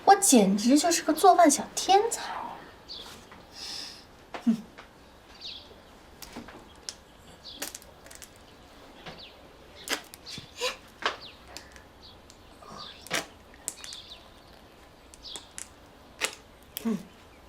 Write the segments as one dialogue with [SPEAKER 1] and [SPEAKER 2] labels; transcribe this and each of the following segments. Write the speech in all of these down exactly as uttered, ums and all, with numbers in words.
[SPEAKER 1] 我简直就是个做饭小天才。嗯。嗯。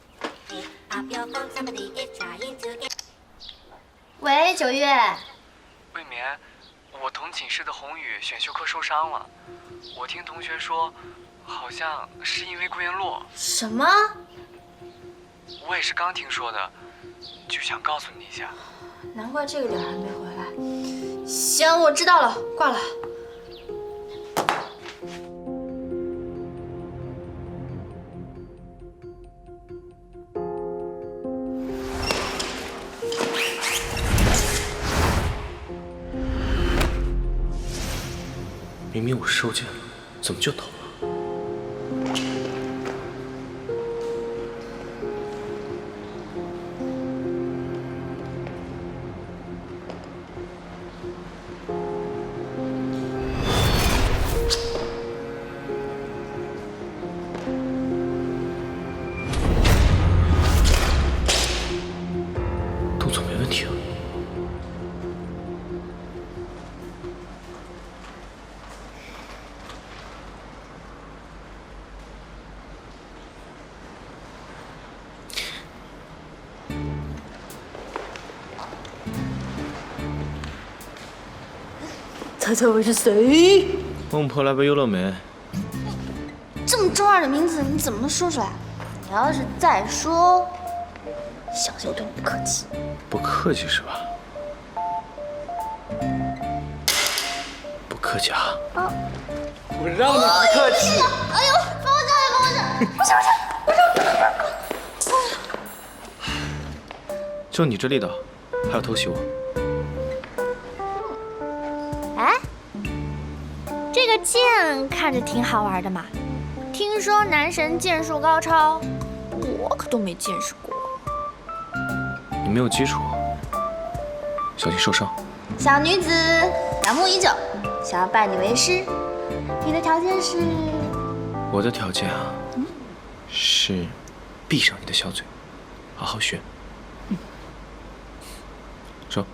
[SPEAKER 1] 喂，九月。
[SPEAKER 2] 未眠，我同寝室的宏宇选修课受伤了，我听同学说，好像是因为顾炎洛。
[SPEAKER 1] 什么？
[SPEAKER 2] 我也是刚听说的，就想告诉你一下。
[SPEAKER 1] 难怪这个点还没回来。行，我知道了，挂了。
[SPEAKER 3] 明明我收件了，怎么就投了？动作没问题啊。
[SPEAKER 1] 猜猜我是谁？
[SPEAKER 3] 孟婆来杯优乐美。
[SPEAKER 1] 这么中二的名字，你怎么能说出来？你要是再说，小心我对你不客气。
[SPEAKER 3] 不客气是吧？不客气啊！
[SPEAKER 1] 啊！
[SPEAKER 2] 我让你不客气。
[SPEAKER 1] 哎呦，帮我下来，帮我下来！不行不行不行！
[SPEAKER 3] 就你这力道，还要偷袭我？
[SPEAKER 4] 哎，这个剑看着挺好玩的嘛。听说男神剑术高超，我可都没见识过。
[SPEAKER 3] 你没有基础，小心受伤。
[SPEAKER 1] 小女子仰慕已久，想要拜你为师。你的条件是？
[SPEAKER 3] 我的条件啊，嗯、是闭上你的小嘴，好好学。嗯，说。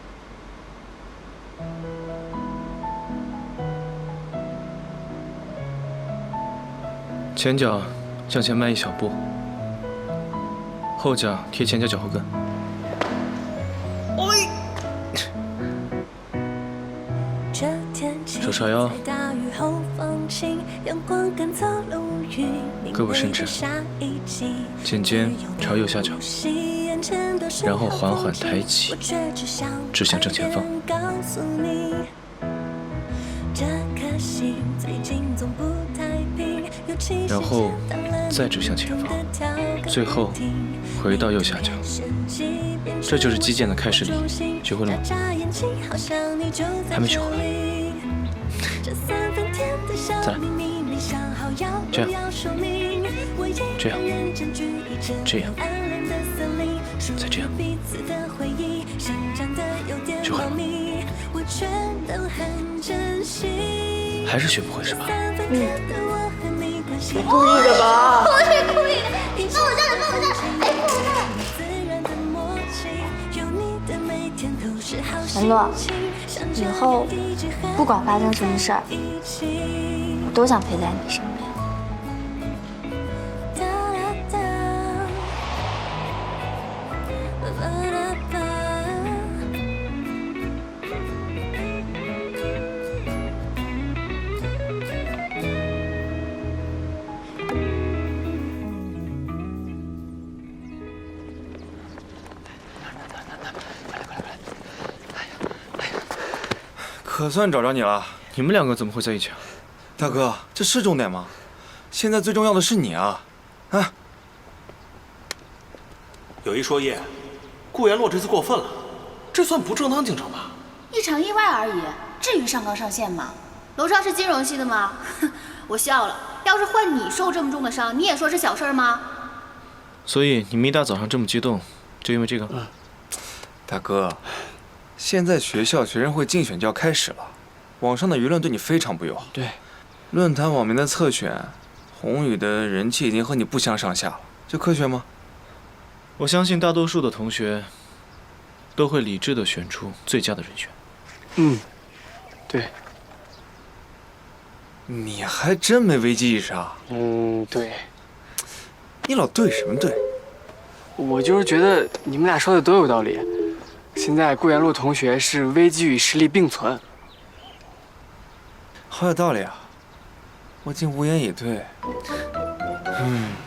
[SPEAKER 3] 前脚向前迈一小步，后脚贴前脚脚后跟。
[SPEAKER 1] 哎。
[SPEAKER 3] 手叉腰，胳膊伸直，肩尖朝右下角，然后缓缓抬起，指向正前方。然后再指向前方，最后回到右下角。这就是击剑的开始礼，学会了吗？还没学会。再来，这样，这样，这样，再这样，学会了吗？还是学不会是吧？
[SPEAKER 1] 嗯。你故意的吧？我是故意的，你放我下来，放我下来！哎，放我下来！文洛，以后不管发生什么事儿，我都想陪在你身边。
[SPEAKER 5] 可算找着你了！
[SPEAKER 3] 你们两个怎么会在一起啊？
[SPEAKER 5] 大哥，这是重点吗？现在最重要的是你啊！啊！
[SPEAKER 6] 有一说一，顾炎洛这次过分了，这算不正当竞争吧？
[SPEAKER 7] 一场意外而已，至于上纲上线吗？楼少是金融系的吗？我笑了。要是换你受这么重的伤，你也说是小事吗？
[SPEAKER 3] 所以你们一大早上这么激动，就因为这个？嗯。
[SPEAKER 5] 大哥。现在学校学生会竞选就要开始了，网上的舆论对你非常不友好。
[SPEAKER 3] 对，
[SPEAKER 5] 论坛网民的侧选， 宏宇的人气已经和你不相上下了，这科学吗？
[SPEAKER 3] 我相信大多数的同学都会理智地选出最佳的人选。
[SPEAKER 2] 嗯，对。
[SPEAKER 5] 你还真没危机意识啊！
[SPEAKER 2] 嗯，对。
[SPEAKER 5] 你老对什么对？
[SPEAKER 2] 我就是觉得你们俩说的都有道理。现在顾元路同学是危机与实力并存。
[SPEAKER 5] 好有道理啊！我竟无言以对。嗯。